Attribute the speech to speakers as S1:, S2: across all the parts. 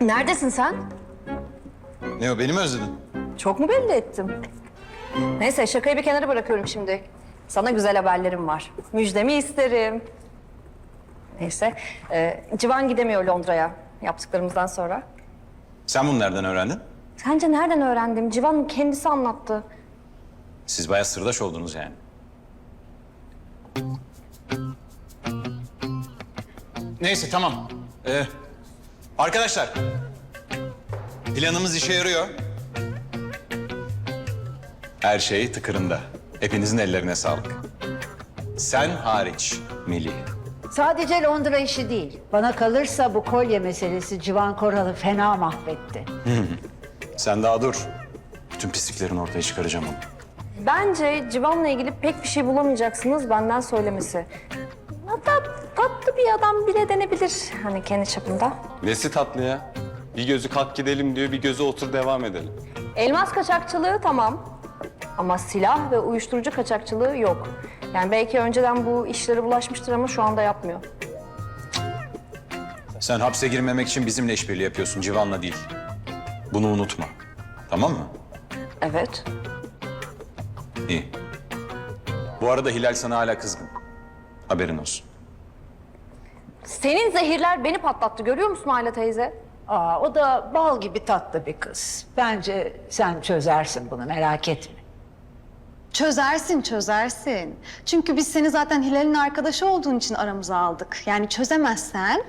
S1: Neredesin sen?
S2: Ne o, beni mi özledin?
S1: Çok mu belli ettim? Neyse, şakayı bir kenara bırakıyorum şimdi. Sana güzel haberlerim var. Müjdemi isterim. Neyse, Civan gidemiyor Londra'ya yaptıklarımızdan sonra.
S2: Sen bunu nereden öğrendin?
S1: Sence nereden öğrendim? Civan kendisi anlattı.
S2: Siz bayağı sırdaş oldunuz yani. Neyse, tamam. Arkadaşlar, planımız işe yarıyor. Her şey tıkırında. Hepinizin ellerine sağlık. Sen hariç Melih.
S3: Sadece Londra işi değil. Bana kalırsa bu kolye meselesi Civan Koral'ı fena mahvetti.
S2: Sen daha dur. Bütün pisliklerini ortaya çıkaracağım onu.
S1: Bence Civan'la ilgili pek bir şey bulamayacaksınız benden söylemesi. Hatta tatlı bir adam bile denebilir hani kendi çapında.
S4: Nesi tatlı ya? Bir gözü kalk gidelim diyor, bir gözü otur devam edelim.
S1: Elmas kaçakçılığı tamam ama silah ve uyuşturucu kaçakçılığı yok. Yani belki önceden bu işlere bulaşmıştır ama şu anda yapmıyor.
S2: Sen hapse girmemek için bizimle işbirliği yapıyorsun, Civan'la değil. Bunu unutma. Tamam mı?
S1: Evet.
S2: İyi. Bu arada Hilal sana hala kızgın. Haberin olsun.
S1: Senin zehirler beni patlattı görüyor musun Ayla teyze?
S3: Aa, o da bal gibi tatlı bir kız. Bence sen çözersin bunu, merak etme.
S5: Çözersin, çözersin. Çünkü biz seni zaten Hilal'in arkadaşı olduğun için aramıza aldık. Yani çözemezsen...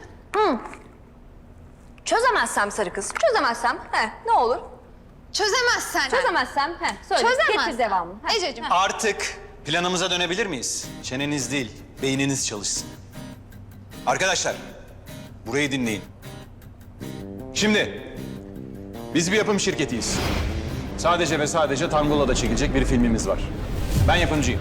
S1: Çözemezsem sarı kız, çözemezsem ne olur?
S5: Çözemezsen.
S1: Çözemezsem söyle.
S5: Çözemezsen.
S1: Getir devamını.
S5: Ececiğim.
S2: Artık planımıza dönebilir miyiz? Çeneniz değil, beyniniz çalışsın. Arkadaşlar, burayı dinleyin. Şimdi, biz bir yapım şirketiyiz. Sadece ve sadece Tangola'da çekilecek bir filmimiz var. Ben yapımcıyım.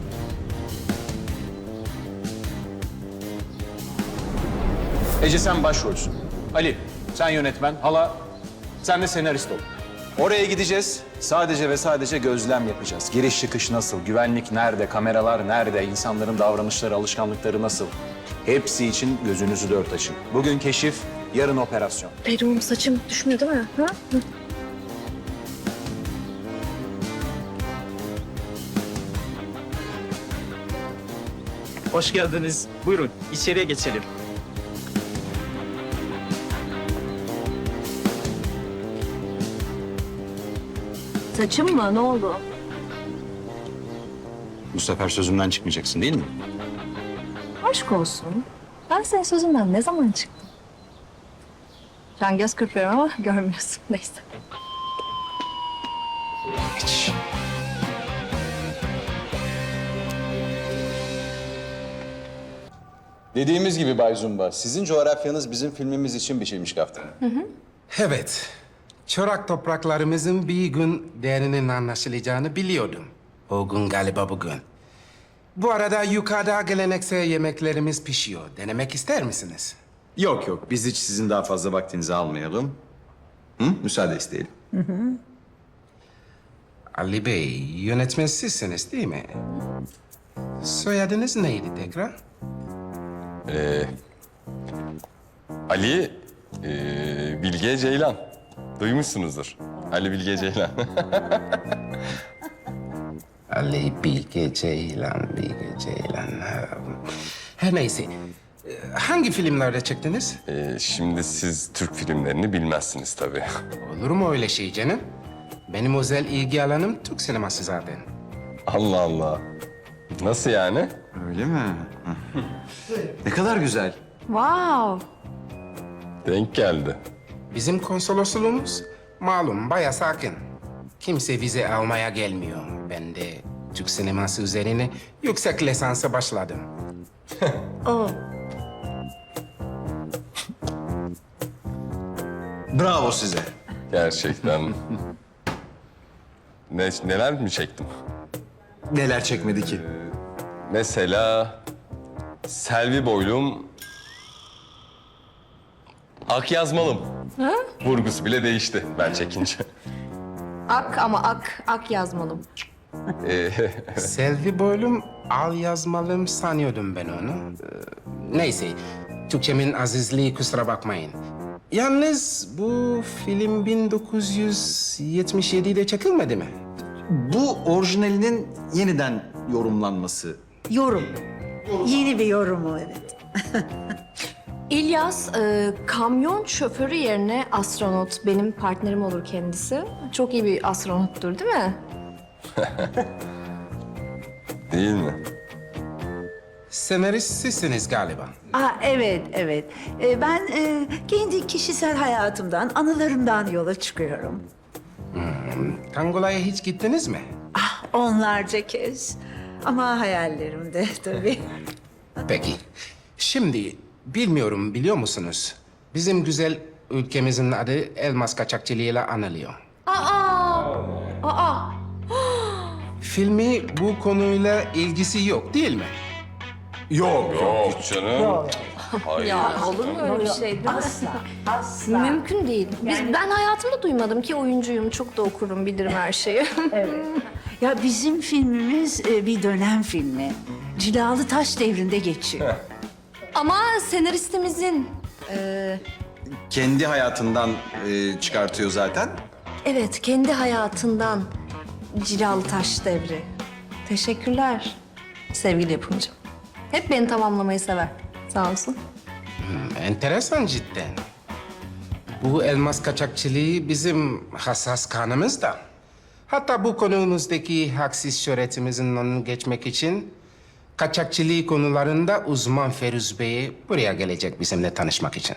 S2: Ece sen başrolsün. Ali, sen yönetmen. Hala, sen de senarist ol. Oraya gideceğiz. Sadece ve sadece gözlem yapacağız. Giriş çıkış nasıl, güvenlik nerede, kameralar nerede, insanların davranışları, alışkanlıkları nasıl? Hepsi için gözünüzü dört açın. Bugün keşif, yarın operasyon.
S1: Benim saçım düşmüyor değil mi? Ha?
S6: Hoş geldiniz. Buyurun, içeriye geçelim.
S1: Saçım mı? Ne oldu?
S2: Bu sefer sözümden çıkmayacaksın değil mi?
S1: Aşk olsun. Ben senin sözünden ne zaman çıktım? Şu an göz kırpıyorum ama görmüyorsun. Neyse.
S2: Hiç. Dediğimiz gibi Bay Zumba, sizin coğrafyanız bizim filmimiz için biçilmiş kaftan.
S7: Evet. Çorak topraklarımızın bir gün değerinin anlaşılacağını biliyordum. O gün galiba bugün. Bu arada yukarıda geleneksel yemeklerimiz pişiyor. Denemek ister misiniz?
S8: Yok yok, biz hiç sizin daha fazla vaktinizi almayalım. Müsaade isteyelim.
S7: Ali Bey, yönetmen sizsiniz değil mi? Soyadınız neydi tekrar?
S4: Ali, Bilge Ceylan. Duymuşsunuzdur. Ali Bilge Ceylan.
S7: Ali Bilge Ceylan, Bilge Ceylan. Her neyse. Hangi filmlerde çektiniz?
S4: Şimdi siz Türk filmlerini bilmezsiniz tabii.
S7: Olur mu öyle şey canım? Benim özel ilgi alanım Türk sineması zaten.
S4: Allah Allah. Nasıl yani?
S8: Öyle mi? Ne kadar güzel.
S5: Wow.
S4: Denk geldi.
S7: Bizim konsolosluğumuz malum bayağı sakin. Kimse vize almaya gelmiyor. Ben de Türk sineması üzerine yüksek lisansa başladım.
S8: Bravo size.
S4: Gerçekten. Neler mi çektim?
S8: Neler çekmedi ki?
S4: Mesela Selvi Boylum, Ak Yazmalım. Vurgusu bile değişti ben çekince.
S1: Ak ama ak yazmalım.
S7: Selvi boylum al yazmalım sanıyordum ben onu. Neyse, Türkçemin azizliği kusura bakmayın. Yalnız bu film 1977'de çekilmedi mi?
S8: Bu orijinalinin yeniden yorumlanması.
S3: Yorum. Yeni bir yorumu evet.
S1: İlyas, kamyon şoförü yerine astronot. Benim partnerim olur kendisi. Çok iyi bir astronottur değil mi?
S4: Değil mi?
S7: Senarist sizsiniz galiba.
S3: Evet. Ben kendi kişisel hayatımdan, anılarımdan yola çıkıyorum.
S7: Tangola'ya hiç gittiniz mi?
S3: Onlarca kez. Ama hayallerimde tabii.
S7: Peki. Şimdi bilmiyorum biliyor musunuz? Bizim güzel ülkemizin adı elmas kaçakçılığıyla anılıyor. Filmi bu konuyla ilgisi yok değil mi?
S8: Yok.
S4: Yok canım. Hayır.
S1: Ya olur mu öyle bir şey değil mi?
S3: Asla.
S1: Mümkün değil. Ben hayatımda duymadım ki oyuncuyum. Çok da okurum, bilirim her şeyi.
S3: Ya bizim filmimiz bir dönem filmi. Cilalı Taş devrinde geçiyor.
S1: Ama senaristimizin...
S8: Kendi hayatından çıkartıyor zaten.
S1: Evet, kendi hayatından Cilalı Taş devri. Teşekkürler sevgili yapımcım. Hep beni tamamlamayı sever. Sağ olsun.
S7: Enteresan cidden. Bu elmas kaçakçılığı bizim hassas kanımızda. Hatta bu konumuzdaki haksız şöhretimizin önünü geçmek için kaçakçılığı konularında uzman Feruz Bey buraya gelecek bizimle tanışmak için.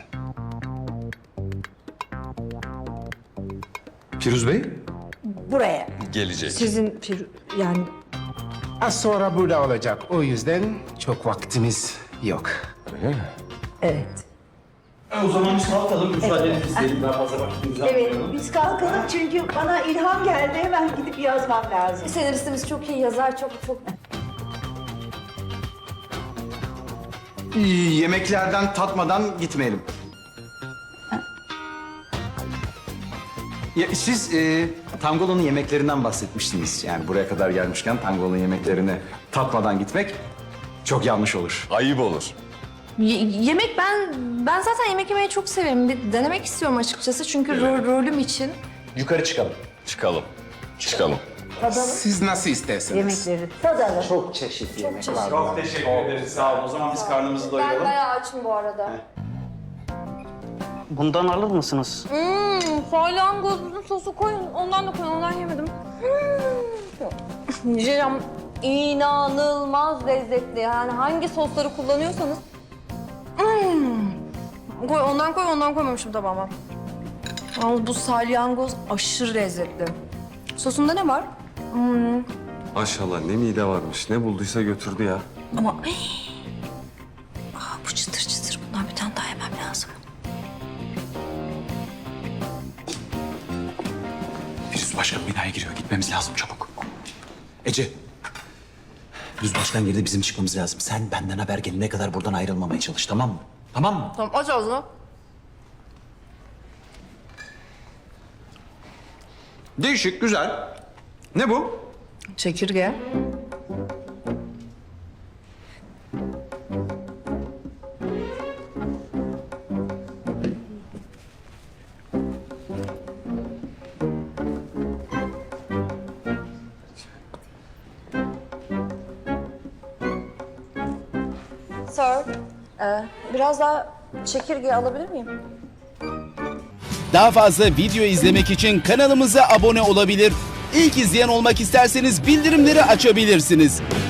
S8: Firuz Bey?
S3: Buraya.
S4: Gelecek.
S1: Sizin yani
S7: Az sonra burada olacak. O yüzden çok vaktimiz yok.
S3: Evet.
S6: O zaman biz kalkalım. Müsaadenizi isteyelim. Daha fazla vaktimizi almayalım.
S3: Biz kalkalım çünkü bana ilham geldi. Hemen gidip yazmam lazım.
S1: senaristimiz çok iyi yazar, çok.
S8: Yemeklerden tatmadan gitmeyelim. Ya, siz Tangolo'nun yemeklerinden bahsetmiştiniz. Yani buraya kadar gelmişken Tangolo'nun yemeklerini tatmadan gitmek çok yanlış olur.
S4: Ayıp olur.
S1: Yemek ben zaten yemek yemeyi çok severim. Bir denemek istiyorum açıkçası çünkü rolüm için.
S2: Yukarı çıkalım.
S4: Çıkalım.
S7: Siz nasıl isterseniz.
S3: Yemekleri tadalım.
S7: Çok çeşitli yemek var.
S2: Çok teşekkür ederiz. Sağ olun. O zaman biz karnımızı
S1: Ben
S2: doyuralım.
S1: bayağı açım bu arada.
S6: Bundan alır mısınız?
S1: Salyangozun sosu koyun. Ondan da koyun. Ondan yemedim. Jam inanılmaz lezzetli. Yani hangi sosları kullanıyorsanız. Koy, ondan koymamışım tabağıma. Ama bu salyangoz aşırı lezzetli. Sosunda ne var?
S4: Maşallah ne mide varmış. Ne bulduysa götürdü ya.
S1: Ama bu çıtır çıtır. Bundan bir tane daha yemem lazım.
S9: Firuz Başkan binaya giriyor. Gitmemiz lazım çabuk. Ece. Firuz Başkan girdi, bizim çıkmamız lazım. Sen benden haber gelene kadar buradan ayrılmamaya çalış, tamam mı? Tamam mı?
S1: Tamam, aç ağzını.
S8: Değişik, güzel. Ne bu?
S1: Çekirge. Sir, biraz daha çekirge alabilir miyim?
S10: Daha fazla video izlemek için kanalımıza abone olabilir. İlk izleyen olmak isterseniz bildirimleri açabilirsiniz.